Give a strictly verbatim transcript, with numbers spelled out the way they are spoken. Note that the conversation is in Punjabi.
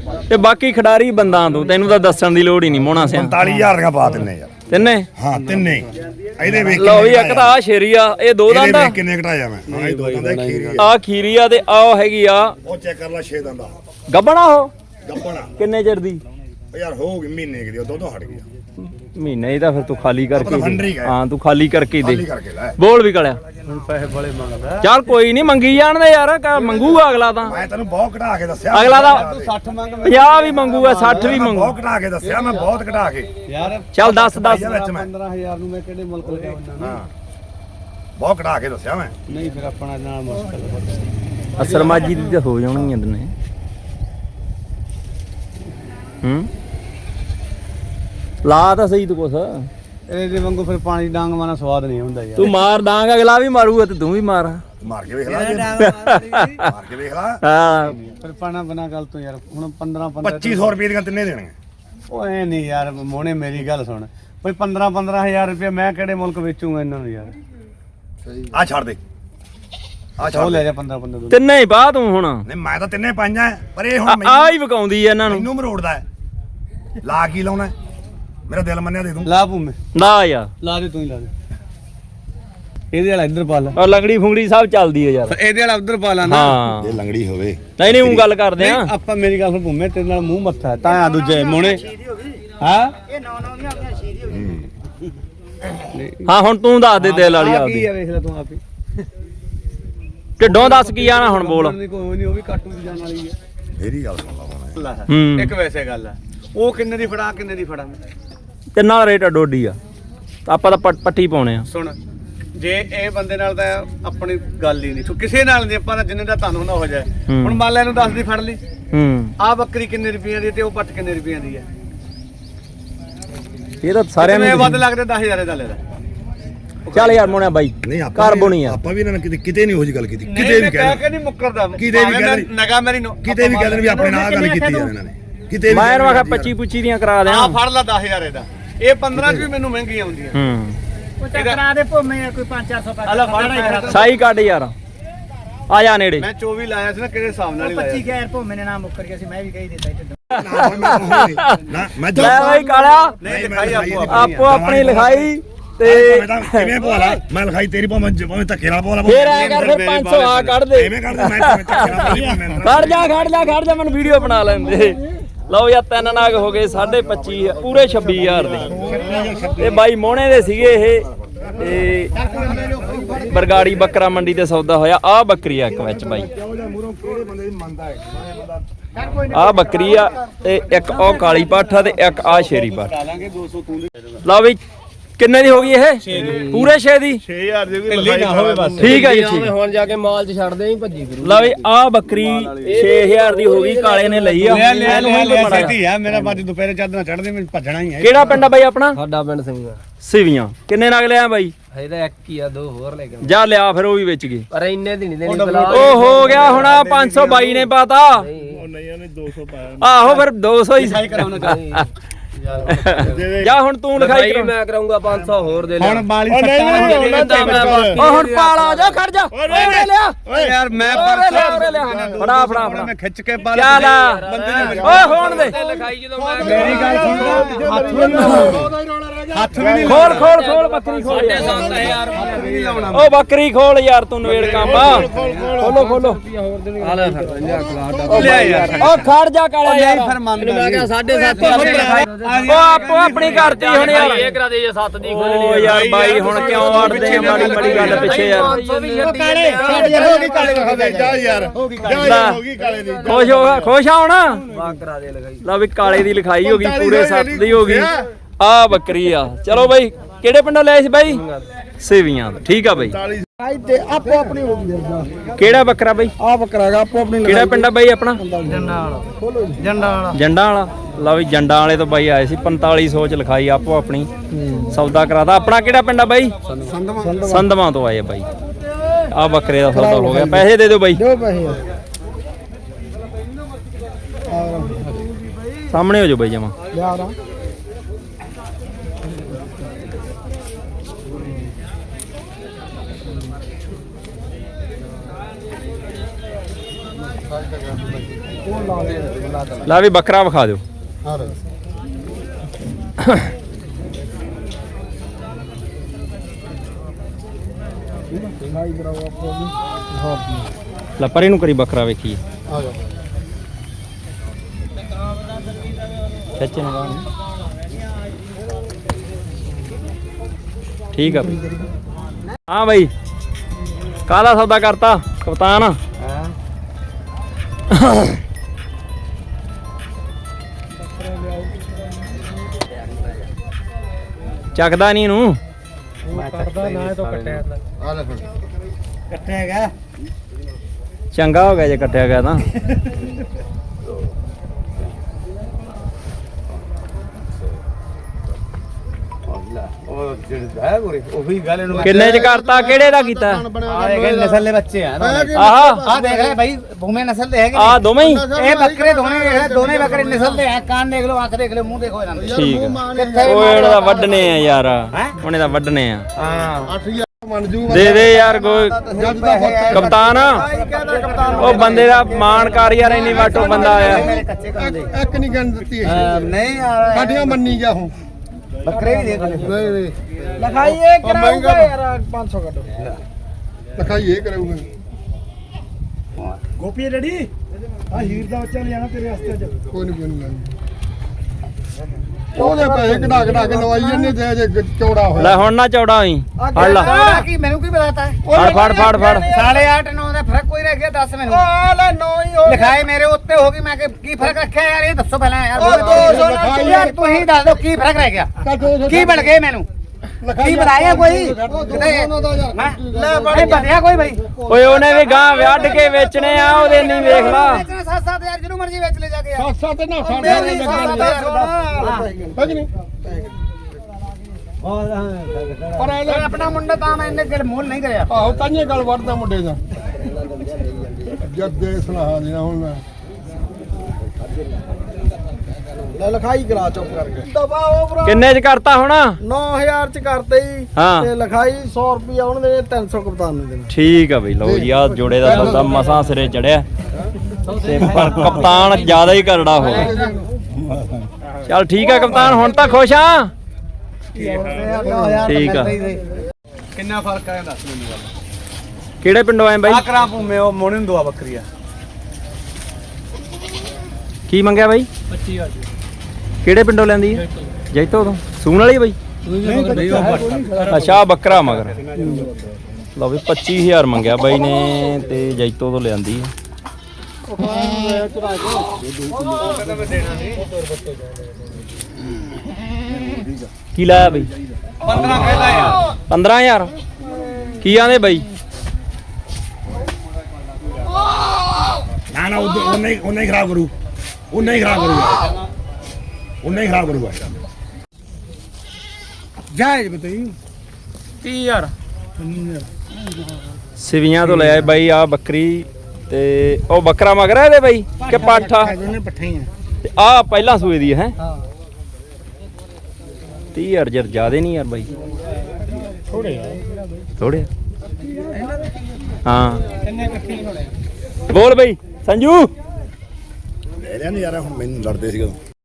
ਤੇ ਬਾਕੀ ਖਿਡਾਰੀ ਬੰਦਾਂ ਤੂੰ ਤੈਨੂੰ ਤਾਂ ਦੱਸਣ ਦੀ ਲੋੜ ਹੀ ਨਹੀਂ ਮੋਹਣਾ ਸਿਆ ਪੰਤਾਲੀ ਹਜ਼ਾਰ ਦੀਆਂ ਪਾ ਦਿੰਨੇ ਯਾਰ ਤਿੰਨੇ ਹਾਂ ਤਿੰਨੇ ਇਹਦੇ ਵੇਖ ਲਓ ਵੀ ਇੱਕ ਤਾਂ ਆ ਸ਼ੇਰੀ ਆ ਇਹ ਦੋ ਦੰਦ ਆ ਕਿੰਨੇ ਘਟਾਇਆ ਮੈਂ ਹਾਂ ਇਹ ਦੋ ਦੰਦ ਖੀਰੀ ਆ ਖੀਰੀ ਆ ਤੇ ਆ ਹੈਗੀ ਆ ਉਹ ਚੈੱਕ ਕਰ ਲੈ ਛੇ ਦੰਦਾ ਗੱਬਣਾ ਉਹ ਗੱਪਣਾ ਕਿੰਨੇ ਚਿਰ ਦੀ ਯਾਰ ਹੋ ਗਈ ਮਹੀਨੇ ਦੀ ਉਹ ਦੋ ਦੋ ਹਟ ਗਿਆ ਮਹੀਨੇ ਹੀ ਤਾਂ ਫਿਰ ਤੂੰ ਖਾਲੀ ਕਰਕੇ ਫੰਡਰੀ ਗਏ ਹਾਂ ਤੂੰ ਖਾਲੀ ਕਰਕੇ ਦੇ ਖਾਲੀ ਕਰਕੇ ਲੈ ਬੋਲ ਵੀ ਕਲਿਆ ਹੁਣ ਪੈਸੇ ਬੜੇ ਮੰਗਦਾ ਚੱਲ ਕੋਈ ਨਹੀਂ ਮੰਗੀ ਜਾਣਦੇ ਯਾਰ ਕ- ਮੰਗੂਗਾ ਅਗਲਾ ਤਾਂ ਮੈਂ ਤੈਨੂੰ ਬਹੁਤ ਘਟਾ ਕੇ ਦੱਸਿਆ ਅਗਲਾ ਤਾਂ ਸੱਠ ਮੰਗ ਪੰਜਾਹ ਵੀ ਮੰਗੂਗਾ ਸੱਠ ਵੀ ਮੰਗੂ ਬਹੁਤ ਘਟਾ ਕੇ ਦੱਸਿਆ ਮੈਂ ਬਹੁਤ ਘਟਾ ਕੇ ਯਾਰ ਚੱਲ ਦੱਸ ਦੱਸ ਵਿੱਚ ਮੈਂ ਪੰਦਰਾਂ ਹਜ਼ਾਰ ਨੂੰ ਮੈਂ ਕਿਹੜੇ ਮੁਲਕ ਲਿਆਉਣਾ ਹਾਂ ਬਹੁਤ ਘਟਾ ਕੇ ਦੱਸਿਆ ਮੈਂ ਨਹੀਂ ਫਿਰ ਆਪਣਾ ਨਾਲ ਮੁਸ਼ਕਲ ਅਸਰਮਾਜੀ ਦੀ ਤਾਂ ਹੋ ਜਾਣੀ ਇਹਨੇ ਹੂੰ ਲਾ ਤਾਂ ਸਹੀ ਤੂੰ ਕੁਛ ਇਹਦੇ ਵਾਂਗੂ ਫਿਰ ਪਾਣੀ ਡਾਂਗ ਮਾਨਾ ਸਵਾਦ ਨਹੀਂ ਹੁੰਦਾ ਯਾਰ ਤੂੰ ਮਾਰ ਡਾਂਗ ਅਗਲਾ ਵੀ ਮਾਰੂਗਾ ਤੇ ਤੂੰ ਵੀ ਮਾਰ ਮਾਰ ਕੇ ਵੇਖ ਲੈ ਮਾਰ ਕੇ ਵੇਖ ਲੈ ਹਾਂ ਫਿਰ ਪਾਣਾ ਬਣਾ ਗੱਲ ਤੋਂ ਯਾਰ ਹੁਣ ਪੰਦਰਾਂ ਪੰਦਰਾਂ ਪੱਚੀ ਸੌ ਰੁਪਏ ਦੀਆਂ ਤਿੰਨੇ ਦੇਣਗੇ ਉਹ ਐ ਨਹੀਂ ਯਾਰ ਮੋਹਣੇ ਮੇਰੀ ਗੱਲ ਸੁਣ ਬਈ ਪੰਦਰਾਂ ਪੰਦਰਾਂ ਹਜ਼ਾਰ ਰੁਪਏ ਮੈਂ ਕਿਹੜੇ ਮੁਲਕ ਵੇਚੂਗਾ ਇਹਨਾਂ ਨੂੰ ਯਾਰ ਆ ਛੱਡ ਦੇ ਆ ਉਹ ਛੱਡ ਲੈ ਦੇ ਜਾ ਪੰਦਰਾਂ ਪੰਦਰਾਂ ਤਿੰਨੇ ਹੀ ਪਾ ਤੂੰ ਹੁਣ ਨਹੀਂ ਮੈਂ ਤਾਂ ਤਿੰਨੇ ਪਾਈਆਂ ਪਰ ਇਹ ਹੁਣ ਆ ਮੈਨੂੰ ਹੀ ਵਕਾਉਂਦੀ ਐ ਇਹਨਾਂ ਨੂੰ ਮੈਨੂੰ ਮਰੋੜਦਾ ਹੈ ਲਾ ਕੀ ਲਾਉਣਾ ਹੈ? ਮੇਰਾ ਦਿਲ ਮੰਨਿਆ ਦੇ ਦੂੰ ਲਾ ਭੂਮੇ ਨਾ ਯਾਰ ਲਾ ਦੇ ਤੂੰ ਹੀ ਲਾ ਦੇ ਇਹਦੇ ਵਾਲਾ ਇੱਧਰ ਪਾ ਲਾ ਔਰ ਲੰਗੜੀ ਫੁੰਗੜੀ ਸਭ ਚੱਲਦੀ ਐ ਯਾਰ ਇਹਦੇ ਵਾਲਾ ਉੱਧਰ ਪਾ ਲਾ ਨਾ ਹਾਂ ਇਹ ਲੰਗੜੀ ਹੋਵੇ ਨਹੀਂ ਨਹੀਂ ਉਹ ਗੱਲ ਕਰਦੇ ਆ ਆਪਾਂ ਮੇਰੀ ਗੱਲ ਸੁਣ ਭੂਮੇ ਤੇਰੇ ਨਾਲ ਮੂੰਹ ਮੱਥਾ ਹੈ, ਤਾਂ ਆ ਦੂਜੇ ਮੋਹਣੇ ਹਾਂ ਇਹ ਨੌ ਨੌ ਦੀਆਂ ਆਪਣੀਆਂ ਛੇ ਦੀ ਹੋ ਗਈ ਹਾਂ ਹੁਣ ਤੂੰ ਦੱਸ ਦੇ ਦਿਲ ਵਾਲੀ ਆਹ ਆਪਦੀ ਕੀ ਆ ਵੇਖ ਲੈ ਤੂੰ ਆਪ ਹੀ ਢਿੱਡੋਂ ਦੱਸ ਕੀ ਆਣਾ ਹੁਣ ਬੋਲ ਨਹੀਂ ਕੋਈ ਨਹੀਂ ਉਹ ਵੀ ਕਾਟੂ ਦੀ ਜਾਣ ਵਾਲੀ ਹੈ ਮੇਰੀ ਗੱਲ ਸੁਣ ਲਾ ਹੁਣ ਹੂੰ ਇੱਕ ਵੈਸੇ ਗੱਲ ਹੈ ਉਹ ਕਿੰਨੇ ਦੀ ਫੜਾ ਕਿੰਨੇ ਦੀ ਫੜਾ ਤੇ ਨਾਲ ਰੇਟ ਡੋਡੀ ਆ ਆਪਾਂ ਤਾਂ ਪੱਟ- ਪੱਟੀ ਪਾਉਣੇ ਆ ਸੁਣ ਜੇ ਇਹ ਬੰਦੇ ਨਾਲ ਤਾਂ ਆਪਣੀ ਗੱਲ ਹੀ ਨਹੀਂ ਤੂੰ ਕਿਸੇ ਨਾਲ ਨਹੀਂ ਆਪਾਂ ਦਾ ਜਿੰਨੇ ਦਾ ਤੁਹਾਨੂੰ ਹੁੰਦਾ ਹੋ ਜਾਏ ਹੂੰ। ਹੁਣ ਮੰਨ ਲੈ ਇਹਨੂੰ ਦਸ ਦੀ ਫੜ ਲਈ ਹੂੰ ਆਹ ਬੱਕਰੀ ਕਿੰਨੇ ਰੁਪਈਆਂ ਦੀ ਤੇ ਉਹ ਪੱਟ ਕਿੰਨੇ ਰੁਪਈਆਂ ਦੀ ਹੈ ਇਹ ਤਾਂ ਸਾਰਿਆਂ ਕਿੰਨੇ ਵੱਧ ਨੂੰ ਲੱਗਦੇ ਦਸ ਹਜ਼ਾਰ ਦਾ ਲੈ ਲੈ ਚੱਲ ਯਾਰ ਮੋਣਿਆ ਬਾਈ ਨਹੀਂ ਆਪਾਂ ਘਰ ਵੀ- ਬੁਣੀ ਆ ਆਪਾਂ ਵੀ ਇਹਨਾਂ ਨੇ ਕਿਤੇ ਕਿਤੇ ਨਹੀਂ ਹੋ ਜੀ ਗੱਲ ਕੀਤੀ ਨਹੀਂ, ਕਿਤੇ ਵੀ ਮੈਂ ਕਹਿ ਕਹਿ ਕੇ ਨਹੀਂ ਮੁੱਕਰਦਾ ਕਿਤੇ ਵੀ ਭਾਵੇਂ ਕਹਿ ਦੇ- ਨਗਾ ਮੇਰੀ ਨੂੰ ਕਿਤੇ ਵੀ ਕਹਿੰਦੇ ਵੀ ਆਪਣੇ ਨਾਲ ਗੱਲ ਕੀਤੀ ਯਾਰ ਇਹਨਾਂ ਨੇ ਕਿਤੇ ਵੀ ਮੈਂ ਇਹਨੂੰ ਆਖਿਆ ਕਹਿ ਪੱਚੀ ਪੁੱਚੀ ਦੀਆਂ ਕਰਾ ਆ ਦਿਆਂ ਫੜ ਲਾ ਦਸ ਹਜ਼ਾਰ ਇਹਦਾ ਇਹ ਪੰਦਰਾਂ ਚ ਵੀ ਮੈਨੂੰ ਮਹਿੰਗੀਆਂ ਆਉਂਦੀਆਂ ਹੂੰ ਉਹ ਤਾਂ ਕਰਾ ਦੇ ਭੋਮੇ ਕੋਈ ਪੰਜ ਚਾਰ ਸੌ ਆਲਾ ਫੜ ਪਾ ਸਾਈ ਕੱਢ ਯਾਰ ਆ ਜਾ ਨੇੜੇ ਮੈਂ ਚੌਵੀ ਲਾਇਆ ਸੀ ਨਾ ਕਿਹੜੇ ਹਿਸਾਬ ਨਾਲ ਹੀ ਪੱਚੀ ਲਾਇਆ ਗੈਰ ਭੋਮੇ ਨੇ ਨਾਮ ਮੁੱਕਰ ਗਿਆ ਸੀ ਮੈਂ ਵੀ ਕਹੀ ਦਿੱਤਾ ਇੱਥੇ ਨਾ ਮੈਂ ਹੋਣੀ ਨਾ ਮੈਂ ਲੈ ਬਾਈ ਕਾਲਿਆ ਨਹੀਂ ਲਿਖਾਈ ਆਪੋ ਆਪੋ ਆਪਣੀ ਲਿਖਾਈ ਤੇ ਮੈਂ ਤਾਂ ਕਿਵੇਂ ਪਵਾਲਾ ਮੈਂ ਲਿਖਾਈ ਤੇਰੀ ਭਾਵੇਂ ਭਾਵੇਂ ਧੱਕੇ ਨਾਲ ਪਵਾਲਾ ਫੇਰ ਐ ਕਰ ਫਿਰ ਪੰਜ ਸੌ ਆ ਕੱਢ ਦੇ ਐਵੇਂ ਕਰਦੇ ਮੈਂ ਕਿਵੇਂ ਧੱਕੇ ਨਾਲ ਪਵਾਲੀ ਖੜ ਜਾ ਖੜ ਜਾ ਖੜ ਜਾ ਮੈਨੂੰ ਵੀਡੀਓ ਬਣਾ ਲੈਂਦੇ ਲਓ ਯਾ ਤਿੰਨ ਨਾਗ ਹੋ ਗਏ ਸਾਢੇ ਪੱਚੀ ਪੂਰੇ ਛੱਬੀ ਹਜ਼ਾਰ ਦੇ ਤੇ ਬਾਈ ਮੋਹਣੇ ਦੇ ਸੀਗੇ ਇਹ ਤੇ ਬਰਗਾੜੀ ਬੱਕਰਾ ਮੰਡੀ ਤੇ ਸੌਦਾ ਹੋਇਆ ਆ ਬੱਕਰੀ ਆ ਇੱਕ ਵਿੱਚ ਬਾਈ ਕਿਹੜੇ ਬੰਦੇ ਦੀ ਮੰਨਦਾ ਹੈ ਆ ਬੱਕਰੀ ਆ ਤੇ ਇੱਕ ਉਹ ਕਾਲੀ ਪਾਠਾ ਤੇ ਇੱਕ ਆ ਸ਼ੇਰੀ ਪਾਠਾ ਲਾਂਗੇ ਦੋ ਸੌ ਤੂੰ ਲਓ ਵੀ ਕਿੰਨੇ ਦੀ ਹੋ ਗਈ ਇਹ ਪੂਰੇ ਛੇ ਦੀ ਛੇ ਹਜ਼ਾਰ ਦੀ ਵੀ ਨਾ ਹੋਵੇ ਬਸ ਠੀਕ ਹੈ ਜੀ ਠੀਕ ਹੁਣ ਜਾ ਕੇ ਮਾਲ ਚ ਛੱਡਦੇ ਆਂ ਭੱਜੀ ਫਿਰੂ ਲਓ ਵੀ ਆ ਬੱਕਰੀ ਛੇ ਹਜ਼ਾਰ ਦੀ ਹੋ ਗਈ ਕਾਲੇ ਨੇ ਲਈ ਆ ਲੈ ਲੈ ਇਹਨੂੰ ਲੈ ਹੁਣ ਲੈ ਮਾੜਾ ਜਿਹਾ। ਛੇਤੀ ਆ ਮੇਰਾ ਬਾਅਦ ਦੁਪਹਿਰੇ ਚਾਦਰਾਂ ਚੜਦੇ ਮੈਨੂੰ ਭੱਜਣਾ ਹੀ ਹੈ ਕਿਹੜਾ ਪਿੰਡ ਆ ਬਾਈ ਆਪਣਾ ਸਾਡਾ ਪਿੰਡ ਸਿੰਘਾ ਸਿਵੀਆਂ ਕਿੰਨੇ ਨਗ ਲਿਆ ਬਾਈ ਇਹਦਾ ਇੱਕ ਹੀ ਆ ਦੋ ਹੋਰ ਲੈ ਕੇ ਆਉਣੇ। ਜਾ ਲਿਆ ਫਿਰ ਉਹ ਵੀ ਵੇਚ ਗਏ ਪਰ ਇੰਨੇ ਦੀ ਨਹੀਂ ਦੇਣੀ ਬਲਾ ਉਹ ਹੋ ਗਿਆ ਹੁਣ ਆ ਪੰਜ ਸੌ ਬਾਈ ਨੇ ਪਾਤਾ ਆਹੋ ਫਿਰ ਦੋ ਸੌ ਹੀ ਕਰਾਉਣਾ ਚਾਹੀਦਾ ਜਾ ਹੁਣ ਤੂੰ ਲਿਖਾਈ ਲਿਖਾਈ ਕਰਾ ਮੈਂ ਕਰਾਉਂਗਾ ਪੰਜ ਸੌ ਹੋਰ ਦੇ ਲੈ ਹੁਣ ਬਾਲੀ ਸੱਟਾਂ ਉਹ ਹੁਣ ਪਾਲਾ ਜਾ ਖੜ ਜਾ ਓਏ ਲਿਆ ਓਏ ਯਾਰ ਮੈਂ ਓਰੇ ਲਿਆ ਓਰੇ ਲਿਆ ਫੜਾ ਫੜਾ ਫੜਾ ਮੈਂ ਖਿੱਚ ਕੇ ਪਾ ਚੱਲ ਬੰਦੇ ਨੇ ਓਏ ਹੋਣ ਦੇ ਲਿਖਾਈ ਜਦੋਂ ਮੈਂ ਮੇਰੀ ਗੱਲ ਸੁਣ ਹੱਥ ਵੀ ਨਹੀਂ ਹੱਥ ਵੀ ਨਹੀਂ ਖੋਲ ਖੋਲ ਖੋਲ ਬੱਕਰੀ ਖੋਲ ਯਾਰ। ਸੱਤ ਹਜ਼ਾਰ ਨਹੀਂ ਲਾਉਣਾ ਉਹ ਬੱਕਰੀ ਖੋਲ ਯਾਰ ਤੂੰ ਨਵੇੜ ਕੰਮ ਆ ਖੋਲੋ ਖੋਲੋ ਆ ਲੈ ਫਿਰ ਪੰਜਾਹ ਕਲਾਟ ਉਹ ਲਿਆ ਯਾਰ ਉਹ ਖੜ ਜਾ ਕਾਲਾ ਯਾਰ ਨਹੀਂ ਫਿਰ ਮੰਨਦਾ ਮੈਂ ਕਿਹਾ ਸਾਢੇ ਸੱਤ ਹਜ਼ਾਰ ਦੀ ਲਿਖਾਈ ਉਹ ਆਪੋ ਆਪਣੀ ਕਰਤੀ ਹੁਣ ਯਾਰ ਇਹ ਕਰਾ ਦੇ ਜੇ ਸੱਤ ਦੀ ਖੋਲ ਓ ਲਈ ਯਾਰ ਬਾਈ ਹੁਣ ਕਿਉਂ ਅੜਦੇ ਆ ਮਾੜੀ ਮਾੜੀ ਗੱਲ ਪਿੱਛੇ ਯਾਰ ਪੰਜ ਸੌ ਵੀ ਛੱਡੀ ਕਾਲੇ ਹੋ ਗਈ ਕਾਲੇ ਵਿਖਾ ਜਾ ਯਾਰ ਹੋ ਗਈ ਲੈ, ਕਾਲੇ ਦੀ ਖੁਸ਼ ਹੋ ਖੁਸ਼ ਆ ਹੁਣ ਵਾਹ ਕਰਾ ਦੇ ਲਿਖਾਈ ਲਾ ਵੀ ਕਾਲੇ ਦੀ ਲਿਖਾਈ ਹੋ ਗਈ ਪੂਰੇ ਸੱਤ ਦੀ ਹੋ ਗਈ ਆ ਬੱਕਰੀ ਆ ਚਲੋ ਬਾਈ ਕਿਹੜੇ ਪਿੰਡੋਂ ਲਿਆਏ ਸੀ ਬਾਈ ਸੇਵੀਆਂ ਤੋਂ। ਠੀਕ ਆ ਬਾਈ ਤੇ ਆਪੋ ਆਪਣੀ ਹੋ ਗਈ ਕਿਹੜਾ ਬੱਕਰਾ ਬਾਈ ਆ ਬੱਕਰਾ ਹੈਗਾ ਆਪੋ ਆਪਣੀ ਕਿਹੜਾ ਪਿੰਡ ਆ ਬਾਈ ਆਪਣਾ ਜੰਡਾ ਵਾਲਾ ਜੰਡਾ ਵਾਲਾ ਜੰਡਾਂ ਵਾਲਾ ਲਾ ਵੀ ਜੰਡਾਂ ਵਾਲੇ ਤੋਂ ਬਾਈ ਆਏ ਸੀ ਪੰਤਾਲੀ ਸੌ ਚ ਲਿਖਾਈ ਆਪੋ ਆਪਣੀ ਸੌਦਾ ਕਰਾਤਾ ਆਪਣਾ ਕਿਹੜਾ ਪਿੰਡ ਆ ਬਾਈ ਸੰਧਵਾਂ ਤੋਂ ਆਏ ਆ ਬਾਈ ਆ ਬੱਕਰੇ ਦਾ ਸੌਦਾ ਹੋ ਗਿਆ ਪੈਸੇ ਦੇ ਦਿਓ ਬਾਈ ਦਿਓ ਪੈਸੇ ਸਾਹਮਣੇ ਹੋ ਜਾਓ ਬਾਈ ਜਮਾ ਯਾਰ ਆ ਲਾ ਵੀ ਬੱਕਰਾ ਵਿਖਾ ਦਿਓ। ਲੈ ਪਰੇ ਨੂੰ ਕਰੀ ਬੱਕਰਾ ਵੇਖੀਏ। ਸੱਚੇ ਨਾ ਬਾਣ ਠੀਕ ਆ ਬਈ। ਹਾਂ ਬਈ ਕਾਹਦਾ ਸੌਦਾ ਕਰਤਾ ਕਪਤਾਨ? ਚੱਕਦਾ ਨਹੀਂ ਇਹਨੂੰ ਕਰਦਾ ਨਾ ਇਹ ਤੋਂ ਕੱਟਿਆ ਕੱਟਿਆ ਹੈਗਾ। ਚੰਗਾ ਹੋ ਗਿਆ ਜੇ ਕੱਟਿਆ ਗਿਆ ਤਾਂ। ਉਹ ਜਿਹੜਾ ਹੈ ਗੋਰੇ ਉਹੀ ਗੱਲ ਇਹਨੂੰ ਕਿੰਨੇ ਚ ਕਰਤਾ? ਕਿਹੜੇ ਦਾ ਕੀਤਾ? ਆ ਇਹ ਨਸਲ ਦੇ ਬੱਚੇ ਆ ਆਹ ਆ ਦੇਖ ਲੈ ਭਾਈ ਭੂਮੇ ਨਸਲ ਦੇ ਹੈਗੇ ਆ ਦੋਵੇਂ ਹੀ ਇਹ ਬੱਕਰੇ ਦੋਨੇ ਦੇਖ ਲੈ ਦੋਨੇ ਬੱਕਰੇ ਨਸਲ ਦੇ ਆ। ਕਾਨ ਦੇਖ ਲਓ, ਅੱਖ ਦੇਖ ਲਓ, ਮੂੰਹ ਦੇਖੋ ਇਹਨਾਂ ਦੇ। ਠੀਕ ਆ। ਕਿੱਥੇ ਉਹ ਇਹਨਾਂ ਦਾ ਵੱਢਣੇ ਆ ਯਾਰ, ਉਹਨੇ ਦਾ ਵੱਢਣੇ ਆ। ਹਾਂ ਦੇ ਦੇ ਯਾਰ ਕੋਈ ਕਪਤਾਨ। ਉਹ ਬੰਦੇ ਦਾ ਮਾਣ ਕਰ ਯਾਰ, ਇੰਨੀ ਵਾਟੋ ਬੰਦਾ ਆਇਆ। ਕੱਚੇ ਕੰਮ ਦੇ ਇੱਕ ਨਹੀਂ ਗਣ ਦਿੱਤੀ ਨਹੀਂ ਯਾਰ ਸਾਡੀਆਂ ਮੰਨੀ ਗਿਆ ਹੁਣ ਬੱਕਰੇ ਵੀ ਦੇਖ ਲੈ। ਨਹੀਂ ਨਹੀਂ ਲਿਖਾਈ ਇਹ ਕਰਾਊਗਾ ਯਾਰ ਪੰਜ ਸੌ ਕੱਢੋ। ਲਿਖਾਈ ਇਹ ਕਰਾਊਗਾ ਗੋਪੀ ਡੈਡੀ ਆ ਹੀਰ ਦਾ ਬੱਚਾ ਲਿਆਣਾ ਤੇਰੇ ਵਾਸਤੇ ਅੱਜ। ਕੋਈ ਨਹੀਂ ਕੋਈ ਨਹੀਂ ਉਹਦੇ ਪੈਸੇ ਕਢਾ ਕਢਾ ਕੇ ਲਵਾਈ ਜੰਨੇ ਜੇ ਜੇ ਚੌੜਾ ਲੈ ਹੋਇਆ ਹੁਣ ਨਾ ਚੌੜਾ ਹੋਈ। ਫੜ ਲਾ ਕੀ ਮੈਨੂੰ ਕੀ ਪਤਾ ਫੜ ਫੜ ਫੜ ਫੜ। ਸਾਢੇ ਅੱਠ ਨੌ ਦਾ ਫਰਕ ਕੋਈ ਰਹਿ ਗਿਆ ਦੱਸ ਮੈਨੂੰ। ਆ ਲੈ ਨੌ ਹੀ ਹੋ ਲਿਖਾਏ ਮੇਰੇ ਉੱਤੇ ਹੋ ਗਈ, ਮੈਂ ਕਿ ਕੀ ਫਰਕ ਰੱਖਿਆ ਯਾਰ ਇਹ ਦੱਸੋ ਪਹਿਲਾਂ ਯਾਰ। ਉਹ ਦੋ ਸੌ ਨਾਲ ਤੁਸੀਂ ਯਾਰ ਤੁਸੀਂ ਦੱਸ ਦਿਓ ਕੀ ਫਰਕ ਰਹਿ ਗਿਆ, ਕੀ ਬਣ ਗਏ ਮੈਨੂੰ ਕੀ ਬਣਾਇਆ ਕੋਈ ਮੈਂ ਲੈ ਬੜੇ ਬਣਿਆ ਕੋਈ ਬਈ। ਓਏ ਉਹਨੇ ਵੀ ਗਾਂ ਵੱਢ ਕੇ ਵੇਚਣੇ ਆ, ਉਹਦੇ ਨਹੀਂ ਵੇਖ ਲਾ। ਵੇਚਣਾ ਸੱਤ ਸੱਤ ਹਜ਼ਾਰ ਜਿਹਨੂੰ ਮਰਜ਼ੀ ਵੇਚ ਲੈ ਜਾ ਕੇ ਯਾਰ। ਸੱਤ ਸੱਤ ਨਾ ਸਾਡੇ ਮੇਰੀ ਲੱਗਣ ਹੈ ਕਿ ਨਹੀਂ ਪਰ ਇਹ ਓਏ ਆਪਣਾ ਮੁੰਡਾ ਤਾਂ ਮੈਂ ਇਹਨੇ ਗੱਲ ਮੋਲ ਨਹੀਂ ਕਰਿਆ। ਆਹੋ ਤਾਂਹੀਓ ਗੱਲ ਵੜਦਾ ਮੁੰਡੇ ਦਾ ਜਦ ਦੇ ਸੁਣਾ ਦੇਣਾ ਹੁਣ ਲੈ ਲਿਖਾਈ ਕਰਾ ਚੁੱਪ ਕਰਕੇ ਦਬਾ ਉਹ ਭਰਾ ਕਿੰਨੇ ਚ ਕਰਤਾ ਹੁਣ? ਨੌ ਹਜ਼ਾਰ ਚ ਕਰਤੇ ਜੀ ਹਾਂ। ਤੇ ਲਿਖਾਈ ਸੌ ਰੁਪਿਆ ਉਹਨੇ ਦੇ ਤਿੰਨ ਸੌ ਕਪਤਾਨ ਨੂੰ ਦੇਣਾ। ਠੀਕ ਆ ਬਈ, ਲਓ ਜੀ ਆ ਜੋੜੇ ਦਾ ਸੌਦਾ ਮਸਾਂ ਸਿਰੇ ਚੜਿਆ ਤੇ ਪਰ ਕਪਤਾਨ ਜ਼ਿਆਦਾ ਹੀ ਕਰੜਾ ਹੋ ਗਿਆ। ਚੱਲ ਠੀਕ ਆ ਕਪਤਾਨ, ਹੁਣ ਤਾਂ ਖੁਸ਼ ਆ। ਠੀਕ ਆ। ਕਿੰਨਾ ਫਰਕ ਆਇਆ ਦੱਸ ਮੈਨੂੰ ਗੱਲ। ਕਿਹੜੇ ਪਿੰਡੋਂ ਆਏ ਬਾਈ? ਆ ਕਰਾਂ ਭੂਮੇ ਉਹ ਮੋਨੇ ਨੂੰ ਦੁਆ ਬੱਕਰੀ ਆ। ਕੀ ਮੰਗਿਆ ਬਾਈ? ਪੱਚੀ ਹਜ਼ਾਰ ਕਿਹੜੇ ਪਿੰਡੋਂ ਲੈਂਦੀ ਹੈ? ਜੈਤੋ ਤੋਂ। ਸੂਣ ਵਾਲੀ ਬਾਈ? ਅੱਛਾ ਬੱਕਰਾ ਮਗਰ। ਲਓ ਵੀ ਪੱਚੀ ਹਜ਼ਾਰ ਮੰਗਿਆ ਬਾਈ ਨੇ ਤੇ ਜੈਤੋ ਤੋਂ ਲਿਆਂਦੀ ਹੈ। ਕੀ ਲਾਇਆ ਬਾਈ? ਪੰਦਰਾਂ ਕਹਿੰਦਾ ਯਾਰ। ਪੰਦਰਾਂ ਹਜ਼ਾਰ ਕੀ ਆਂਦੇ ਬਾਈ? ਨਾ ਨਾ ਉਹਨੇ ਹੀ ਉਹਨੇ ਹੀ ਖਰਾਬ ਕਰੂ, ਉਹਨੇ ਹੀ ਖਰਾਬ ਕਰੂਗਾ, ਉਹਨੇ ਹੀ ਖਰਾਬ ਕਰੂਗਾ। ਜਾਇਜ਼ ਬਤਾਈ ਤੀਹ ਹਜ਼ਾਰ ਸਿਵੀਆਂ ਤੋਂ ਲੈ ਆਏ ਬਾਈ ਆ ਬੱਕਰੀ ਤੇ ਉਹ ਬੱਕਰਾ ਮਗਰ ਇਹਦੇ ਬਾਈ ਕਿ ਪਾਠਾ? ਦੋਨੇ ਪੱਠੇ ਹੀ ਆ। ਤੇ ਆ ਪਹਿਲਾਂ ਸੂਏ ਦੀ ਹੈ। ਹਾਂ ਤੀਹ ਹਜ਼ਾਰ ਜਰ ਜ਼ਿਆਦੇ ਨਹੀਂ ਯਾਰ ਬਾਈ, ਥੋੜੇ ਥੋੜੇ। ਹਾਂ ਕਿੰਨੇ ਇਕੱਠੇ ਹੋਣੇ? ਬੋਲ ਬਾਈ ਸੰਜੂ। ਲੈ ਲਿਆ ਨਹੀਂ ਯਾਰ, ਹੁਣ ਮੈਨੂੰ ਲੜਦੇ ਸੀ ਕਦੋਂ